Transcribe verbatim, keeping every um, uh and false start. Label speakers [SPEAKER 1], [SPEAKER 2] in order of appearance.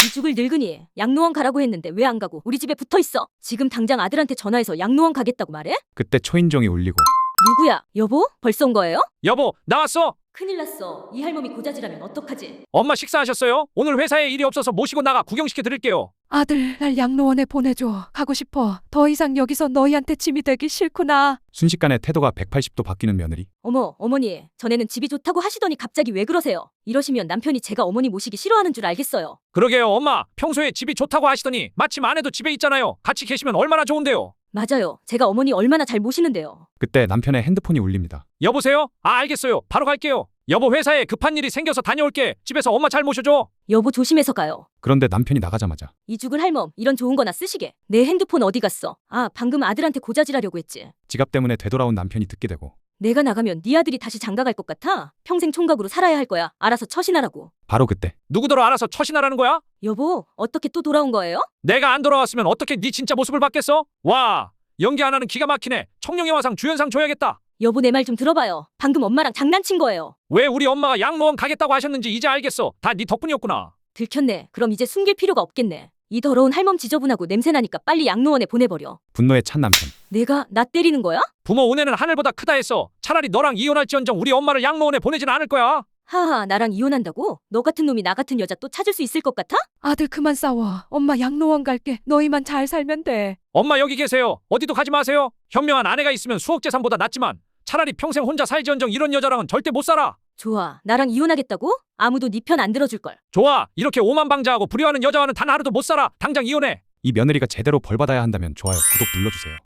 [SPEAKER 1] 이 죽을 늙은이 양로원 가라고 했는데 왜 안 가고 우리 집에 붙어 있어? 지금 당장 아들한테 전화해서 양로원 가겠다고 말해?
[SPEAKER 2] 그때 초인종이 울리고
[SPEAKER 1] 누구야? 여보? 벌써 온 거예요?
[SPEAKER 3] 여보, 나왔어.
[SPEAKER 1] 큰일 났어. 이 할멈이 고자질하면 어떡하지?
[SPEAKER 3] 엄마 식사하셨어요? 오늘 회사에 일이 없어서 모시고 나가 구경시켜 드릴게요.
[SPEAKER 4] 아들, 날 양로원에 보내줘. 가고 싶어. 더 이상 여기서 너희한테 짐이 되기 싫구나.
[SPEAKER 2] 순식간에 태도가 백팔십 도 바뀌는 며느리.
[SPEAKER 1] 어머, 어머니. 전에는 집이 좋다고 하시더니 갑자기 왜 그러세요? 이러시면 남편이 제가 어머니 모시기 싫어하는 줄 알겠어요.
[SPEAKER 3] 그러게요, 엄마. 평소에 집이 좋다고 하시더니 마침 아내도 집에 있잖아요. 같이 계시면 얼마나 좋은데요.
[SPEAKER 1] 맞아요. 제가 어머니 얼마나 잘 모시는데요.
[SPEAKER 2] 그때 남편의 핸드폰이 울립니다.
[SPEAKER 3] 여보세요? 아, 알겠어요. 바로 갈게요. 여보, 회사에 급한 일이 생겨서 다녀올게. 집에서 엄마 잘 모셔줘.
[SPEAKER 1] 여보 조심해서 가요.
[SPEAKER 2] 그런데 남편이 나가자마자
[SPEAKER 1] 이 죽을 할멈 이런 좋은 거나 쓰시게. 내 핸드폰 어디 갔어? 아, 방금 아들한테 고자질하려고 했지.
[SPEAKER 2] 지갑 때문에 되돌아온 남편이 듣게 되고
[SPEAKER 1] 내가 나가면 네 아들이 다시 장가갈 것 같아? 평생 총각으로 살아야 할 거야. 알아서 처신하라고.
[SPEAKER 2] 바로 그때
[SPEAKER 3] 누구더러 알아서 처신하라는 거야?
[SPEAKER 1] 여보, 어떻게 또 돌아온 거예요?
[SPEAKER 3] 내가 안 돌아왔으면 어떻게 네 진짜 모습을 봤겠어? 와, 연기 하나는 기가 막히네. 청룡의 화상 주연상 줘야겠다.
[SPEAKER 1] 여보 내 말 좀 들어봐요. 방금 엄마랑 장난친 거예요.
[SPEAKER 3] 왜 우리 엄마가 양로원 가겠다고 하셨는지 이제 알겠어. 다 네 덕분이었구나.
[SPEAKER 1] 들켰네. 그럼 이제 숨길 필요가 없겠네. 이 더러운 할멈 지저분하고 냄새나니까 빨리 양로원에 보내버려.
[SPEAKER 2] 분노에 찬 남편.
[SPEAKER 1] 내가 나 때리는 거야?
[SPEAKER 3] 부모 은혜는 하늘보다 크다 했어. 차라리 너랑 이혼할지언정 우리 엄마를 양로원에 보내진 않을 거야.
[SPEAKER 1] 하하, 나랑 이혼한다고? 너 같은 놈이 나 같은 여자 또 찾을 수 있을 것 같아?
[SPEAKER 4] 아들 그만 싸워. 엄마 양로원 갈게. 너희만 잘 살면 돼.
[SPEAKER 3] 엄마 여기 계세요. 어디도 가지 마세요. 현명한 아내가 있으면 수억 재산보다 낫지만 차라리 평생 혼자 살지언정 이런 여자랑은 절대 못 살아.
[SPEAKER 1] 좋아. 나랑 이혼하겠다고? 아무도 네 편 안 들어줄걸.
[SPEAKER 3] 좋아. 이렇게 오만방자하고 불효하는 여자와는 단 하루도 못 살아. 당장 이혼해.
[SPEAKER 2] 이 며느리가 제대로 벌받아야 한다면 좋아요, 구독 눌러주세요.